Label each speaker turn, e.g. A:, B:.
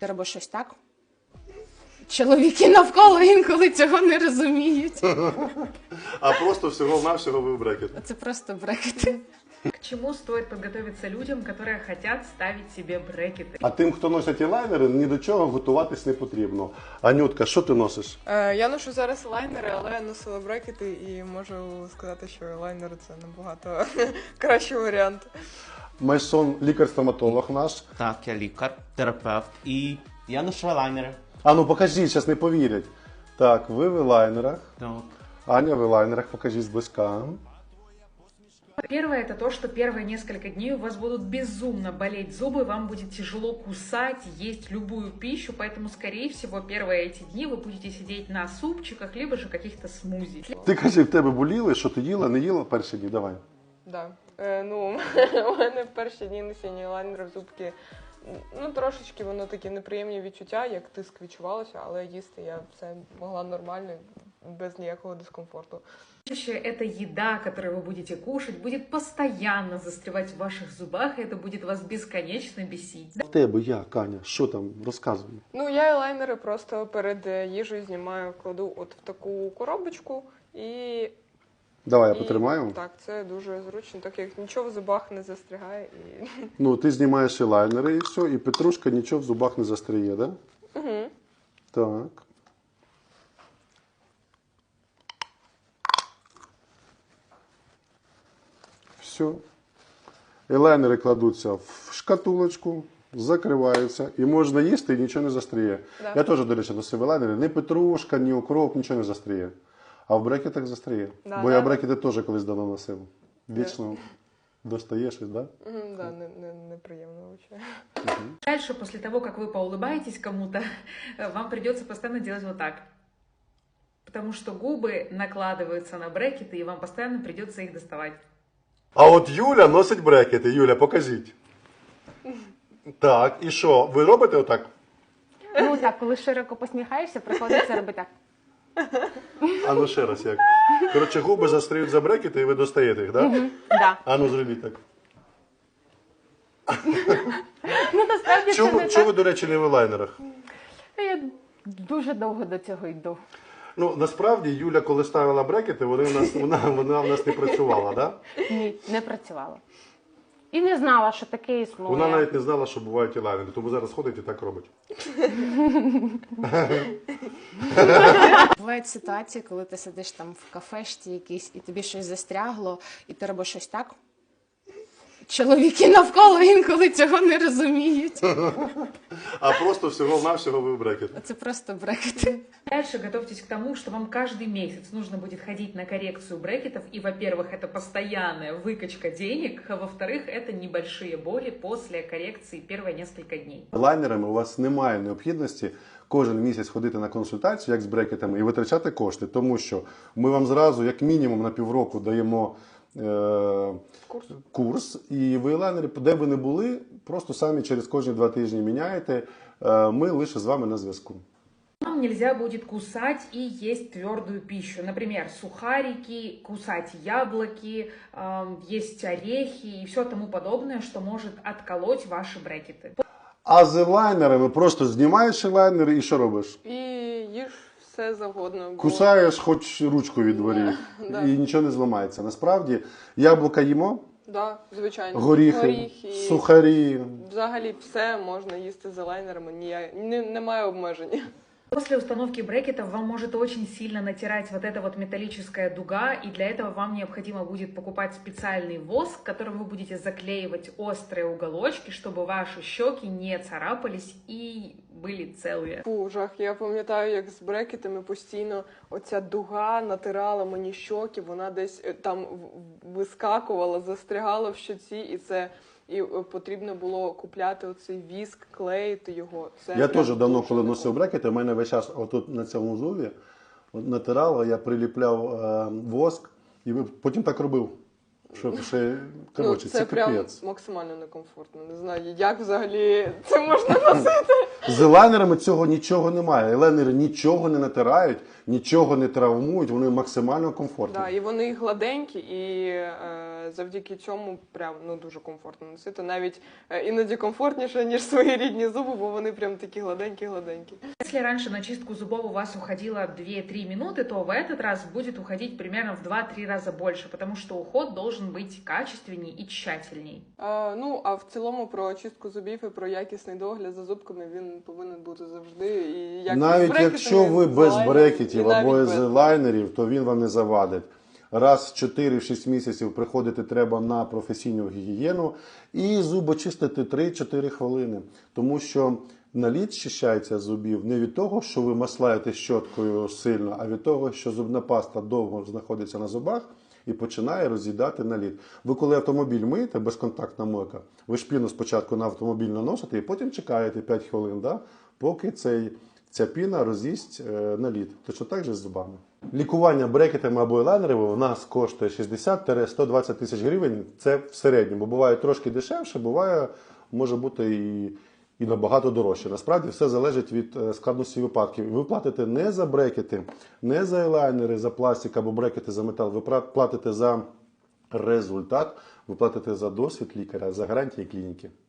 A: ти робиш щось так. Чоловіки навколо інколи цього не розуміють.
B: А просто всього-навсього ви в брекет.
A: Це просто брекети.
C: К чему стоит подготовиться людям, которые хотят ставить себе брекеты?
B: А тим, хто носить елайнери, ні до чого готуватись не потрібно. Анютка, що ти носиш?
D: Я ношу зараз лайнери, але я носила брекети і можу сказати, що лайнери це набагато кращий варіант.
B: Майсон, лікар-стоматолог наш.
E: Так, я лікар, терапевт і я ношу елайнери.
B: А ну покажіть, зараз не повірять. Так, ви в елайнерах.
E: Так.
B: Аня в елайнерах, покажіть зблизька.
C: Первое это то, что первые несколько дней у вас будут безумно болеть зубы, вам будет тяжело кусать, есть любую пищу, поэтому, скорее всего, первые эти дни вы будете сидеть на супчиках, либо же каких-то смузи.
B: Ти кажи, в тебе боліли, що ти їла, не їла перші дні? Давай.
D: Да. Ну, у мене в перші дні носіння лайнерів зубки, ну, трошечки воно такі неприємні відчуття, як тиск відчувалося, але їсти я все могла нормально, без ніякого дискомфорту.
C: Чаще эта еда, которую вы будете кушать, будет постоянно застревать в ваших зубах, и это будет вас бесконечно бесить.
B: В тебе як, Аня? Що там? Розказуй.
D: Ну, я лайнери просто перед їжею знімаю, кладу от в таку коробочку і...
B: Давай я потримаю.
D: Так, це дуже зручно, так як нічого в зубах не застрягає. І...
B: Ну, ти знімаєш елайнери і все, і петрушка нічого в зубах не застряє, да?
D: Угу.
B: Так. Все. Елайнери кладуться в шкатулочку, закриваються, і можна їсти, і нічого не застряє.
D: Да.
B: Я теж, до речі, носив елайнери. Ні петрушка, ні укроп, нічого не застряє. А в брекетах застряє.
D: Да,
B: Бо
D: да.
B: я брекети теж колись давно носив. Вічно достає щось, так? Да?
D: Да, неприємно взагалі.
C: Дальше, после того, как вы поулыбаетесь кому-то, вам придется постоянно делать вот так. Потому что губы накладываются на брекеты, и вам постоянно придется их доставать.
B: А от Юля носить брекети. Юля, покажіть. Так, і що? Ви робите отак?
A: Ну так, коли широко посміхаєшся, приходиться робити так.
B: А ну ще раз як. Коротше, губи застряють за брекети і ви достаєте їх, так? Да?
A: Да.
B: А ну зробіть так.
A: Ну насправді це
B: Чому
A: не
B: ви,
A: так.
B: до речі, не в елайнерах?
A: Я дуже довго до цього йду.
B: Ну, насправді, Юля, коли ставила брекети, вона в нас не працювала, так? Да?
A: Ні, не працювала. І не знала, що таке існує.
B: Вона навіть не знала, що бувають елайнери, тому зараз ходить і так робить.
A: Бувають ситуації, коли ти сидиш там в кафешці якійсь, і тобі щось застрягло, і ти робиш щось так. Чоловіки навколо інколи цього не розуміють.
B: А просто всього-навсього ви в брекет.
A: Це просто брекети.
C: Дальше готовьтесь к тому, что вам каждый месяц нужно будет ходить на коррекцию брекетов. И, во-первых, это постоянная выкачка денег, а во-вторых, это небольшие боли после коррекции первые несколько дней.
B: Лайнерами у вас немає необхідності кожен місяць ходити на консультацію, як з брекетами, і витрачати кошти, тому що ми вам зразу, як мінімум, на півроку даємо курс, і ви лайнери, де б ви не були, просто самі через кожні 2 тижні міняєте, ми лише з вами на зв'язку.
C: Вам нельзя будет кусать и есть твердую пищу. Например, сухарики, кусать яблоки, есть орехи и все тому подобное, что может отколоть ваши брекеты.
B: А з елайнерами просто знімаєш елайнер і що робиш?
D: І їж все завгодно. Бо...
B: Кусаєш хоч ручку від дворі,
D: Да.
B: і нічого не зламається. Насправді, яблука їмо,
D: Да, звичайно.
B: горіхи, сухарі.
D: Взагалі все можна їсти за лайнерами, немає обмежень.
C: После установки брекетов вам может очень сильно натирать вот эта вот металлическая дуга, и для этого вам необходимо будет покупать специальный воск, которым вы будете заклеивать острые уголочки, чтобы ваши щеки не царапались и были целые.
D: Фу, жах. Я пам'ятаю, як з брекетами постійно оця дуга натирала мені щоки, вона десь там вискакувала, застрягала в щоці, і потрібно було купляти оцей віск, клеїти його. Це
B: Я
D: прям
B: теж давно,
D: дуже
B: коли
D: не
B: носив брекети, у мене весь час отут на цьому зубі натирало, я приліпляв воск і потім так робив. Щоб ще, коротше,
D: це
B: це
D: прям
B: капець.
D: максимально некомфортно. Не знаю, як взагалі це можна носити.
B: З елайнерами цього нічого немає. Елайнери нічого не натирають, нічого не травмують, вони максимально комфортні.
D: Да, і вони гладенькі, і завдяки цьому прям дуже комфортно носити. Навіть іноді комфортніше, ніж свої рідні зуби, бо вони прям такі гладенькі-гладенькі.
C: Если раньше на чистку зубов у вас уходило 2-3 минуты, то в этот раз будет уходить примерно в 2-3 раза больше, потому что уход должен быть качественней и тщательней.
D: А в цілому про очистку зубів і про якісний догляд за зубками він повинен бути завжди. І як з
B: Навіть
D: брекетами,
B: якщо ви
D: з
B: без
D: лайнером,
B: брекетів
D: і навіть
B: або
D: без.
B: з лайнерів, то він вам не завадить. Раз в 4-6 місяців приходити треба на професійну гігієну і зуби чистити 3-4 хвилини. Тому що наліт щищається з зубів не від того, що ви маслаєте щоткою сильно, а від того, що зубна паста довго знаходиться на зубах і починає роз'їдати наліт. Ви коли автомобіль миєте, безконтактна мойка, ви шпіну спочатку на автомобіль наносите і потім чекаєте 5 хвилин, да, поки ця піна роз'їсть наліт. Точно так же з зубами. Лікування брекетами або елайнерами у нас коштує 60-120 тисяч гривень. Це в середньому. Буває трошки дешевше, буває, може бути і набагато дорожче. Насправді все залежить від складності випадків. Ви платите не за брекети, не за елайнери, за пластик або брекети за метал. Ви платите за результат, ви платите за досвід лікаря, за гарантії клініки.